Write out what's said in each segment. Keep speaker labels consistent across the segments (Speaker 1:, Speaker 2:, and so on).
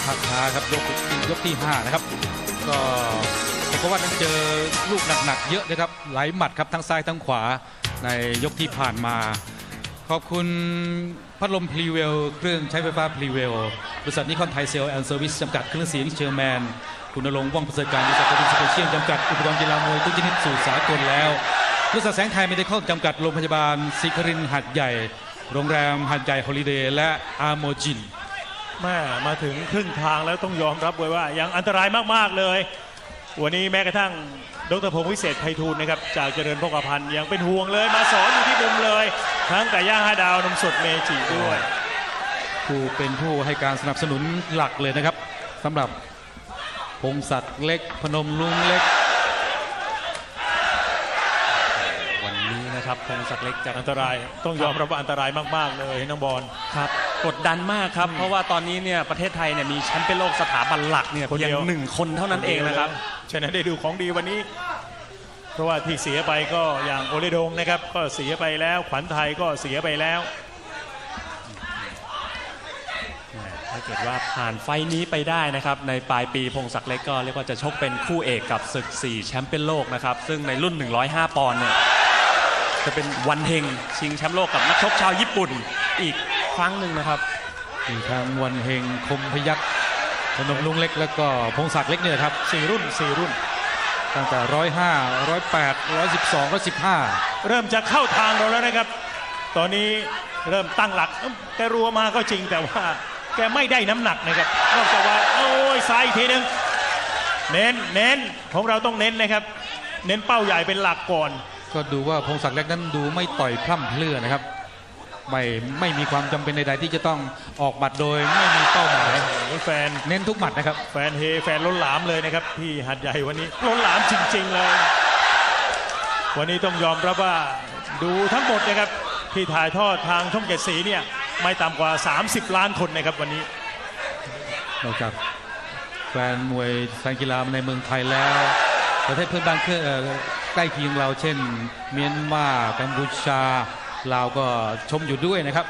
Speaker 1: ภาพช้าครับยกที่5นะครับก็เพราะว่านั้นเจอลูกหนักๆเยอะนะครับหลายหมัดครับทั้งซ้ายทั้งขวาในยกที่ผ่านมาขอบคุณพัดลมพลีเวลเครื่องใช้ไฟฟ้าพลีเวลบริษัทนิคอนไทยเซลแอนด์เซอร์วิสจำกัดเครื่องเสียงเชอร์แมนคุณณรงค์ว่องประเสริฐการบริษัทดินสเปเชียลจำกัดอุปกรณ์กีฬามวยทุกชนิดสู่สากลแล้วบริษัทแสงไทยไม่ได้เข้าจำกัดโรงพยาบาลศรีครินทร์หัดใหญ่โรงแรมหัดใหญ่ฮอลิเดย์และอาร์โมจิน
Speaker 2: มาถึงครึ่งทางแล้วต้องยอมรับเลยว่ายังอันตรายมากๆเลยวันนี้แม้กระทั่งดร.พงษ์วิเศษไพฑูรย์นะครับจากเจริญพกพันธ์ยังเป็นห่วงเลยมาสอนอยู่ที่มุมเลยทั้งไก่ย่าง5 ดาวนมสดเมจิด้วย
Speaker 1: เป็นผู้ให้การสนับสนุนหลักเลยนะครับสำหรับพงศักดิ์เล็กพนมลุงเล็ก
Speaker 3: วันนี้นะครับพงศักดิ์เล็กจะ
Speaker 2: อันตรายต้องยอมรับว่าอันตรายมากๆเลยน้องบอล
Speaker 3: ครับกดดันมากครับเพราะว่าตอนนี้เนี่ยประเทศไทยเนี่ยมีแชมป์เปี้ยนโลกสถาบันหลักเนี่ยเพียง1 คนเท่านั้นเองนะครับ
Speaker 2: ฉะนั้นได้ดูของดีวันนี้เพราะว่าที่เสียไปก็อย่างโอเลดงนะครับก็เสียไปแล้วขวัญไทยก็เสียไปแล้ว
Speaker 3: ถ้าเกิดว่าผ่านไฟนี้ไปได้นะครับในปลายปีพงศักดิ์เล็กก็เรียกว่าจะชกเป็นคู่เอกกับศึก4แชมป์เปี้ยนโลกนะครับซึ่งในรุ่น105 ปอนด์เนี่ยจะเป็นวันเฮงชิงแชมป์โลกกับนักชกชาวญี่ปุ่นอีกครั้งหนึ่งนะครับ
Speaker 1: มีทั้งวันเฮงคมพยัคฆ์พนมลุงเล็กแล้วก็พงศักดิ์เล็กเนี่ยครับ
Speaker 2: 4 รุ่น
Speaker 1: ตั้งแต่105 108 112 115
Speaker 2: เริ่มจะเข้าทางเราแล้วนะครับตอนนี้เริ่มตั้งหลักแกรัวมาก็จริงแต่ว่าแกไม่ได้น้ำหนักนะครับนอกจากว่าโอ้ยซ้ายอีกทีนึงเน้นของเราต้องเน้นนะครับเน้นเป้าใหญ่เป็นหลักก่อน
Speaker 1: ก็ดูว่าพงศักดิ์เล็กนั้นดูไม่ต่อยพร่ำเพรื่อนะครับไม่มีความจำเป็นใดๆที่จะต้องออกหมัดโดยไม่มีเป้าหมาย
Speaker 2: แฟน
Speaker 1: เน้นทุกหมัดนะครับ
Speaker 2: แฟนเฮแฟนล้นหลามเลยนะครับที่หัดใหญ่วันนี้ล้นหลามจริงๆเลยวันนี้ต้องยอมรับว่าดูทั้งหมดนะครับที่ถ่ายทอดทางช่อง7 สีเนี่ยไม่ต่ำกว่า30 ล้านคนนะครับวันนี้
Speaker 1: นอกจากแฟนมวยแฟนกีฬาในเมืองไทยแล้วประเทศเพื่อนบ้านใกล้เคียงเราเช่นเมียนมากัมพูชาลาวก็ชมอยู่ด้วยนะครับ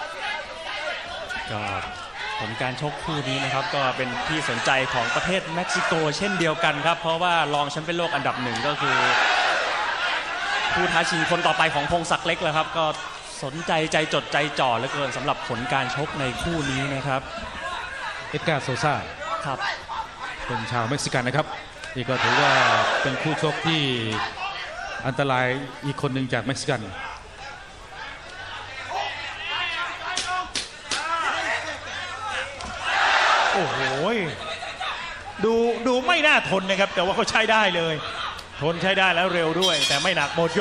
Speaker 3: ก็ผลการชกคู่นี้นะครับก็เป็นที่สนใจของประเทศเม็กซิโกเช่นเดียวกันครับเพราะว่ารองแชมป์เปี้ยนโลกอันดับ1ก็คือผู้ท้าชิงคนต่อไปของพงศักดิ์เล็กแล้วครับก็สนใจใจจดใจจ่อเหลือเกินสำหรับผลการชกในคู่นี้นะครับ
Speaker 1: เอ็ดการ์โซซ่า
Speaker 3: ครับ
Speaker 1: เป็นชาวเม็กซิกันนะครับนี่ก็ถือว่าเป็นคู่ชกที่อันตรายอีกคนหนึ่งจากเม็กซิกัน
Speaker 2: โอ้โหดูไม่น่าทนนะครับแต่ว่าเขาใช้ได้เลยทนใช้ได้แล้วเร็วด้วยแต่ไม่หนักหมด